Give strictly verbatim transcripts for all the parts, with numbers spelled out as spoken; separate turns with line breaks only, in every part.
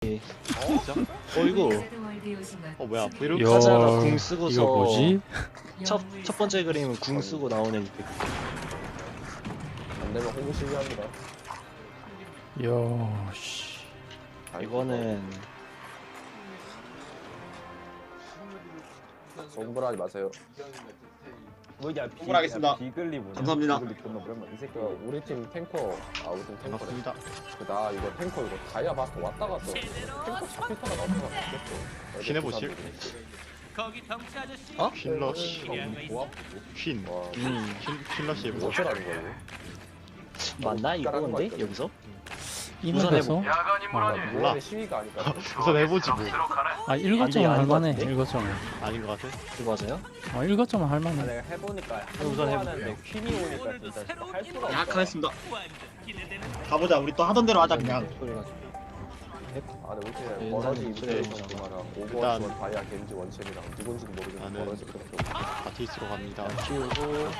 오케이.
진짜? 어 이거 어 뭐야 브이로그
야,
카자가 궁 쓰고서
이거 뭐지?
첫, 첫 번째 그림은 궁 쓰고 나오는 이펙트.
안 되면 홍보 실시합니다.
야, 씨.
이거는
공부하지 마세요. 뭐야 비,
공부하겠습니다.
비글리 뭐냐?
감사합니다.
비글리 존나 오랜만. 이 새끼가 우리 팀 탱커, 아 우리 팀 탱커래.
반갑습니다.
나 이거 탱커 이거 다이아 바스터 왔다 갔다. 탱커 잡히다가 나왔다가 바뀌었어.
퀸 해보실?
어?
퀸러쉬
조합?
퀸
와,
음,
퀸, 퀸러쉬 해보자.
어쩌라는 거야 이거?
맞나 이거 근데 여기서?
이
우선
맵에서
아,
몰라.
노란의 시위가 아닐까?
우선 해보지 뭐.
아 일곱 점은
안 돼,
할만해.
아닌 것
일곱 점은.
아닌 것 같아?
이거 맞아요?
아 일곱 점은
아,
할만해.
내가 해보니까
우선
하는데 퀸이 오니까 진짜 할 수가 없다.
약하겠습니다. 가보자. 우리 또 하던 대로 하자 그냥.
소리가
아, 근데 우리 팀에
네,
버러지
인사는
이브레이션
그래.
그거랑
일단-
오버워치원 다이아 겐지 원챔이랑 누군지도 모르겠는
나는-
버러지 그렇게 없고.
아티스트로 갑니다.
키우고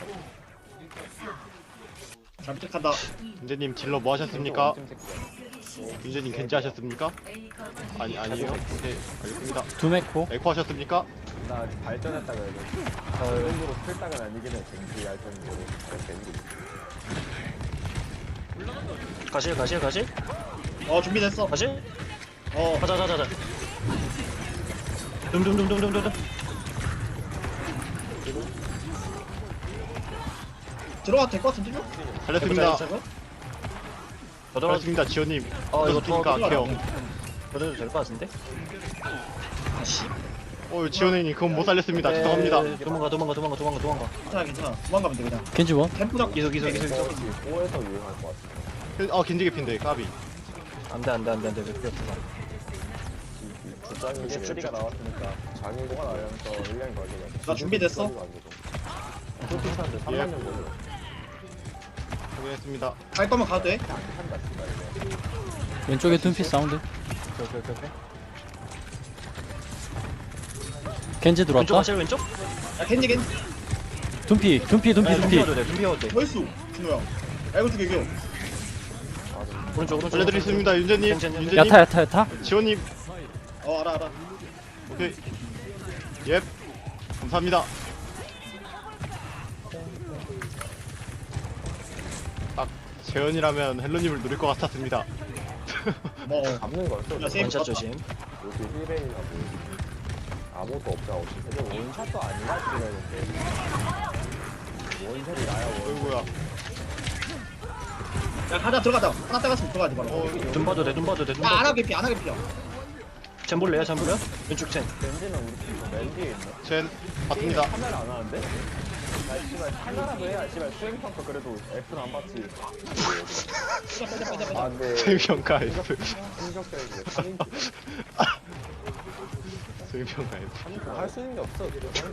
잘 부탁한다.
윤재님 딜러 뭐 하셨습니까?
원챔 새끼야.
윤재님 겐지 하셨습니까? 아니 아니에요. 네 알겠습니다.
두 메코.
에코 하셨습니까?
나 발전했다 그래도 그 정도로 필당은 아니긴 해. 겐지 얇던데 겐지.
가실 가실 가실
어 준비됐어.
가실
어
가자 가자 가자. 둠둠둠둠둠둠.
들어가도 될 것 같은데?
살렸습니다.
더 들어.
살렸습니다. 지호님.
어 이거
어떻습니까?
더
케어.
더도 될 것 같은데?
아씨.
어 지호님 그건 못 살렸습니다. 죄송합니다.
네, 도망가 도망가 도망가 도망가 도망가.
괜찮아 괜찮아. 도망가면 돼 그냥.
겐지 원.
템포 잡고.
기소 기소 기소 기소.
오에서 유행할 것 같아.
어 겐지 개핀데 까비.
안돼 안돼 안돼 안돼 몇 필요 없어.
주장이 쓰리가 나왔으니까 장인공가 나면서 일량 걸리가.
나 준비됐어?
그렇게 사는데 삼만 년 걸려.
확인했습니다.
갈 거면 가도 돼.
안 산다 진짜 이거.
왼쪽에 둠피 사운드.
오케이 오케이 오케이.
겐지
왼쪽
들어왔다.
가실 왼쪽?
야 겐지 겐지.
둠피, 둠피, 둠피,
네,
둠피.
둠피워도 돼 둠피워도 돼.
멋있어. 준호야. 알고 죽여 이겨.
오른쪽 오른쪽.
알려드리겠습니다. 윤재님.
괜찮, 괜찮.
윤재님.
야타, 야타, 야타.
지호님.
어 알아 알아.
오케이. 예. 감사합니다. 딱 재현이라면 헬로님을 누릴 것 같았습니다.
뭐.
잡는 거였어.
야, 세이브
원샷
봤다.
조심.
여기 힐베이나 뭐 아무것도 없잖아. 없이 근데 원샷도 아니라 지금 원샷이 나야 원.
어이구야.
야 가자 들어가자. 하나 따갔으면 들어가지 바로.
어,
둠 봐도 돼둠 봐도 돼둠
야
봐도
안하
돼.
개피 안하 개피야.
젠 볼래요 젠 볼래요? 왼쪽 젠.
벤지는 우리 팀 맨 뒤에 있네.
젠 받습니다.
카메라 안 하는데? 나 씨발 카메라도 해야 씨발 수행평가 그래도 F는 안 받지.
빼자 빼자 빼자
아
빼자.
근데
수행평가 F.
충격적이지. 삼 인치.
수행평가 F.
할수 있는 게 없어. 지금.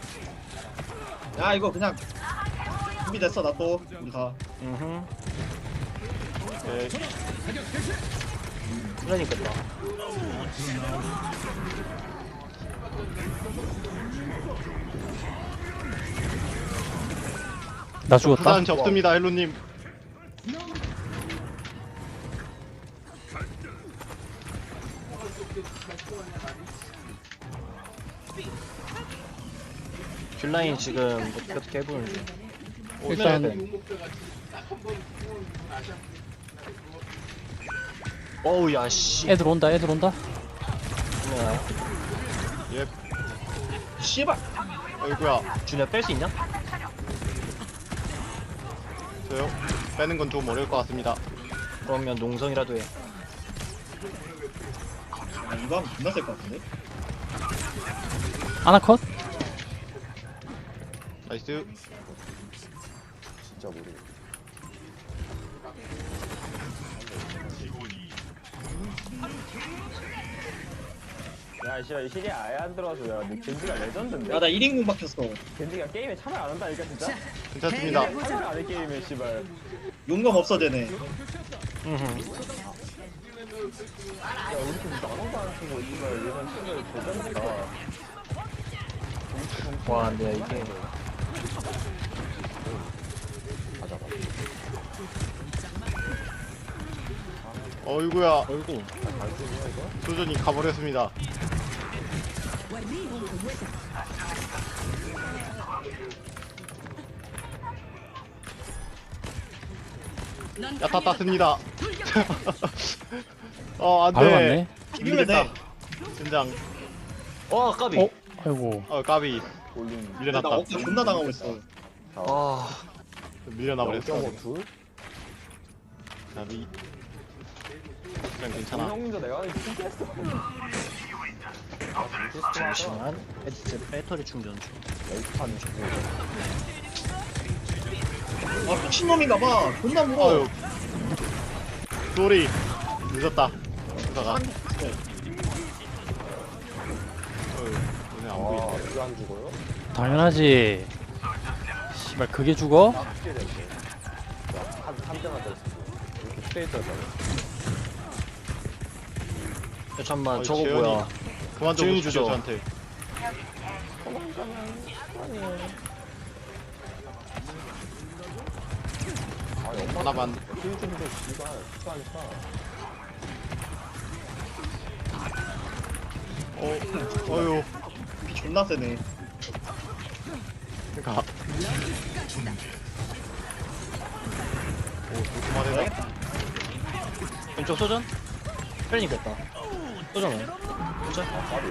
야 이거 그냥 준비됐어 나 또. 우리 가.
음.
네.
그러니까.
나 죽었다.
부산 접습니다. 헬로님.
귤라인 지금 어떻게 어떻게 해보는 중.
일단
어우 야씨.
애들 온다, 애들 온다.
예.
씨발.
어이구야.
준야 뺄 수 있냐?
저요. 빼는 건 좀 어려울 것 같습니다.
그러면 농성이라도 해.
아 이거 하면 존나 셀것 같은데.
아나컷.
나이스.
진짜 모르겠어. 야 씨발 이 시리에 아예 안 들어와서 야 근데 겐지가 레전드인데?
야나 일 인공 박혔어.
겐지가 게임에 참여 안 한다니까 진짜?
괜찮습니다.
참여 안해 게임에 씨발.
용검 없어 쟤네.
음흠.
야 우리 팀 나눠도 안 쓰고 씨발 예전 친구를 도전지가
와 근데 이게
맞아 맞아.
어이구야.
어이구.
소전이 가버렸습니다. 야타 땄습니다. 어
바로
안돼.
갔네.
비비면 돼.
진장.
어 까비.
어? 아이고.
어 까비.
올린
나
밀려났다.
어깨 존나 당하고 있어.
아
밀려나 버렸어.
영 점 오 둘?
까비. 그냥 괜찮아.
형님도 내가 신기했어.
잠시만. 배- 배터리 충전 중.
열판 주고.
아 미친놈인가봐. 존나 무거워.
어휴. 쏘리. 늦었다. 그러다가.
한-
어휴. 오늘 안
아,
보이네.
이거 안 죽어요?
당연하지. 씨발 그게 죽어?
어떻게 됐어? 한, 한 대만 더 쓰고. 이렇게 스테이트였다.
야, 잠만
어이,
저거
재현이.
뭐야?
그만 좀
재현이
주죠
주죠.
저한테.
아니, 엄마
하나만.
힐좀도 씨발, 축하하니까.
어. 어휴.
비 존나 세네.
그니까. 오, 조그만해다.
왼쪽 소전? 펠링 됐다. 소전은? 소전?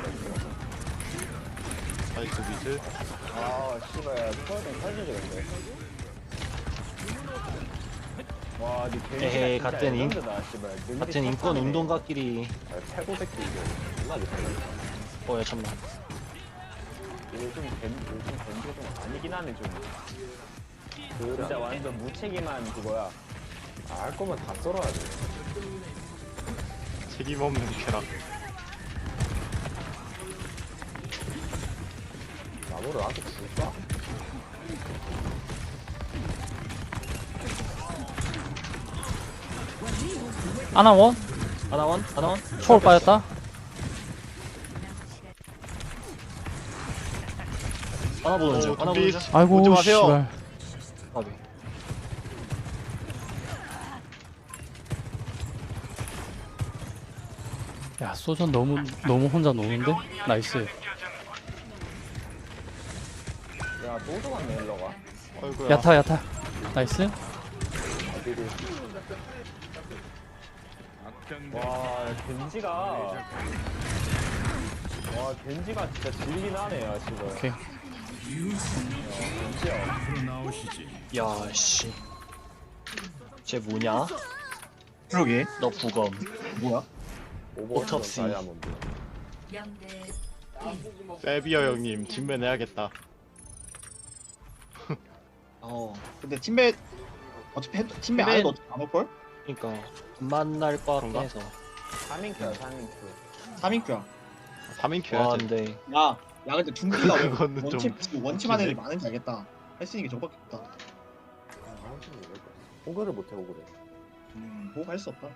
나이스 미드.
아, 씨발, 스파이팅 살려줘야겠네. 와, 니 개인
에헤이, 같은 인-
다 씨발. 능력이
같은 인권
탑하네.
운동가끼리.
아, 패고 새끼 이거. 존나 못하네.
어야 잠만.
요즘 밴, 요즘 밴드 좀 아니긴 하네, 좀. 진짜 완전 무책임한 그거야. 아, 할 거면 다 썰어야 돼.
책임 없는 쾌락.
나무를 나한테 줄까?
아나원?
하나원? 하나원?
초월 빠졌다.
하나 보는 중.
오,
하나
준비.
보는 중.
아이고
오지 마세요.
씨발.
까비.
야 소전 너무 너무 혼자 노는데? 나이스.
야, 또 들어갔네, 일러가.
어이구야.
야타 야타. 나이스.
어디를. 와, 겐지가. 와, 겐지가 진짜 질긴 하네요, 지금.
오케이.
겐지야.
야 씨. 쟤 뭐냐?
그러게.
너 부검.
뭐야?
오톱시.
다이아몬드.
세비어 형님 진매 내야겠다.
어.
근데 팀메 어차피 해- 팀메
팀메-
아예도 어차피 안 올걸?
그러니까 안 만날 것 같긴
그런가?
해서.
삼 인큐야, 삼 인큐.
삼 인큐야.
삼 인
와
켜야지.
근데
야, 야 근데 둠피가 왜
그거는
원팀
좀
원팀한 애들이
웃기네.
많은지 알겠다. 할 수 있는 게 저밖에 없다.
호그를 못해, 호그를.
음, 뭐 할 수 없다.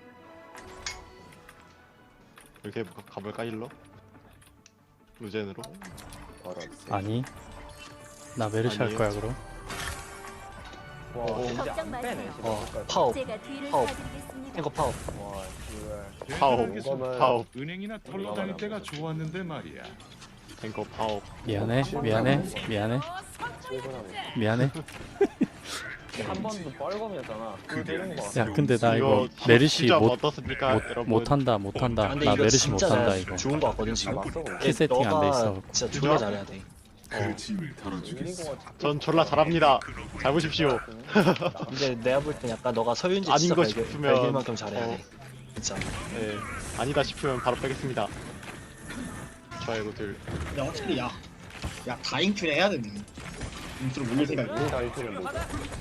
이렇게 가- 가볼까 일로? 루젠으로?
바로.
아니. 나 메르시 할
아니에요.
거야 그럼.
와,
어,
겐지
걱정
안 빼네,
마세요.
지금.
어
끝까지.
파업.
제가 뒤를
파업.
봐드리겠습니다.
탱커 파업.
와, 씨발.
파업.
이거는
파업.
은행이나 털러 다닐 때가 좋았는데 말이야.
탱커 파업.
미안해 미안해 미안해
출근하면.
미안해.
한 번도 뻘검이었잖아. 그거 때리는 거.
야 근데 나 이거
이거
메르시
진짜
못
어떻습니까,
못,
여러분?
못한다 못한다.
근데
나
이거
메르시
진짜
못한다
잘
이거.
좋은 거 같거든 지금.
맞어, 그거.
키 세팅 안 돼 있어.
너가 진짜 존나 잘해야 돼.
밀린 거 같아.
전 졸라 잘합니다. 잘 보십시오.
근데 내가 볼 땐 약간 너가 서윤지
아닌
진짜
거
발견,
싶으면-
발견만큼 잘해야
어.
돼. 진짜.
네. 아니다 싶으면 바로 빼겠습니다. 좋아요들.
야 어차피 야, 야 다인큐를 해야 되네. 인수를 올릴 생각이.
우리 다이트는 뭐죠?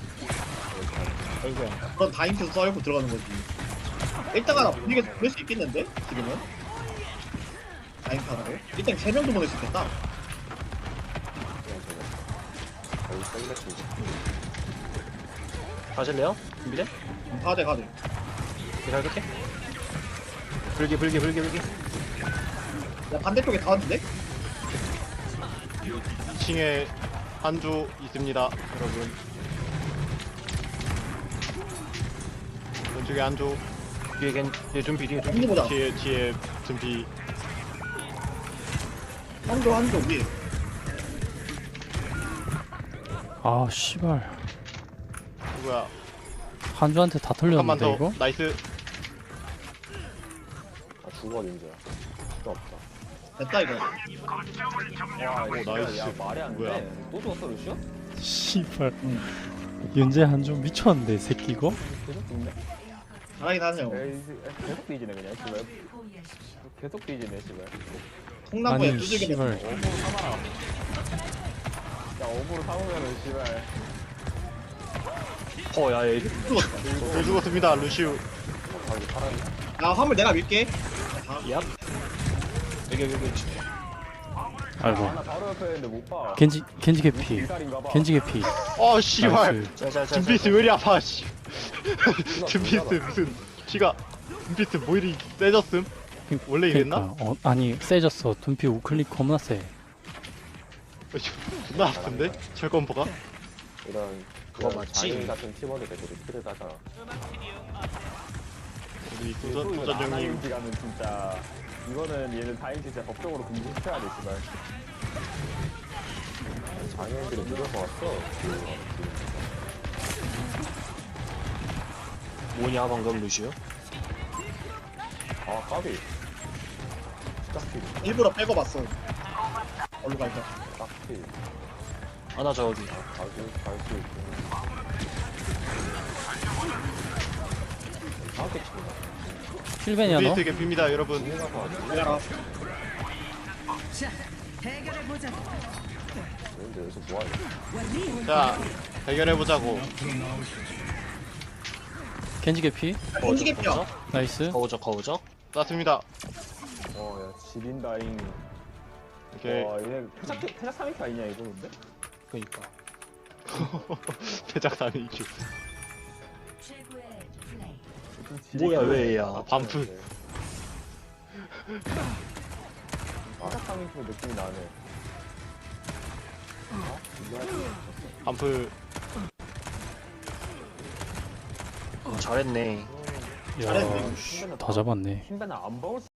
아이고야.
그럼 다인큐 썰고 들어가는 거지. 일단 하나 분위기 보낼 수 있겠는데 지금은? 다인큐 하나로? 일단 세 명도 보낼 수 있겠다.
거의 셀렉트.
가실래요? 준비돼?
음, 가대 가대.
잘 볼게. 불기 불기 불기 불기.
야 반대쪽에 다 왔는데?
이 층에 한조 있습니다, 여러분. 왼쪽에 한조.
뒤에 겐, 뒤에 준비, 뒤에 준비.
한도 보자.
뒤에 뒤에 준비.
한도 한도 위에.
아 씨발
누구야?
한주한테 다
잠깐만
털렸는데
더.
이거?
나이스.
아 죽어 닌자야. 필요 없다.
됐다 이거.
와
오,
이거
나이스.
야 말이 안
뭐야?
돼. 또 죽었어 루시오?
씨발
응.
윤재 한주 미쳤는데 이 새끼 이거?
계속 죽네.
잘하긴 하네요.
에이, 계속 뒤지네 그냥 씨발. 계속 뒤지네 씨발.
콩나무에
아니
두들겨
씨발
맞는 거.
어부로 삼아라. 야 어부로 삼으면은 씨발.
어, 야, 얘.
죽었다.
네, 죽었습니다 루시우.
자기 사람이.
야 화물 내가 밀게.
얍. 여기, 여기, 여기.
아이고
하나 바로 옆에 있는데 못 봐.
겐지 겐지 개피
기다린가 봐.
겐지 개피
어 씨발.
나이스
자, 자, 자.
둠피스 왜 이리 아파 씨. 둠피스 무슨 키가 둠피스 뭐 이리 세졌음? 원래 이랬나?
그러니까 어, 아니 세졌어 둠피 우클릭 겁나 세
어, 존나 아픈데? 철권포가?
이런
그거
그런
맞지?
장인 같은 팀원들 애들이 키를 따잖아.
우리
또
도전
이거
도전형님.
나나인지 가면 진짜 이거는 얘는 다행히 진짜 법적으로 금지시켜야 돼 씨발. 장애인들이 늦어서 왔어.
뭐냐, 방금 루시오?
아 까비. 딱히
일부러 빼고 봤어. 얼로 갈까?
딱히
하나 저기.
갈수 갈수 있고. 다음에 친다.
힐벤이야 너?
둠피스 개피입니다 여러분.
내가
근데 여기서 뭐하냐?
자 대결해보자고.
겐지 개피
던지게 펴.
나이스
거우적, 거우적.
땄습니다.
어야 지린다잉.
오케이.
와 얘네 태작 태작 삼 인큐 아니냐 이거 근데?
그니까.
대작삼이 이큐.
뭐야, 왜 얘야.
아, 반푼.
태작 삼 인큐 느낌이 나네.
반풀.
어, 잘했네.
야
잘했네.
씨, 다 잡았네
흰배는 안 먹을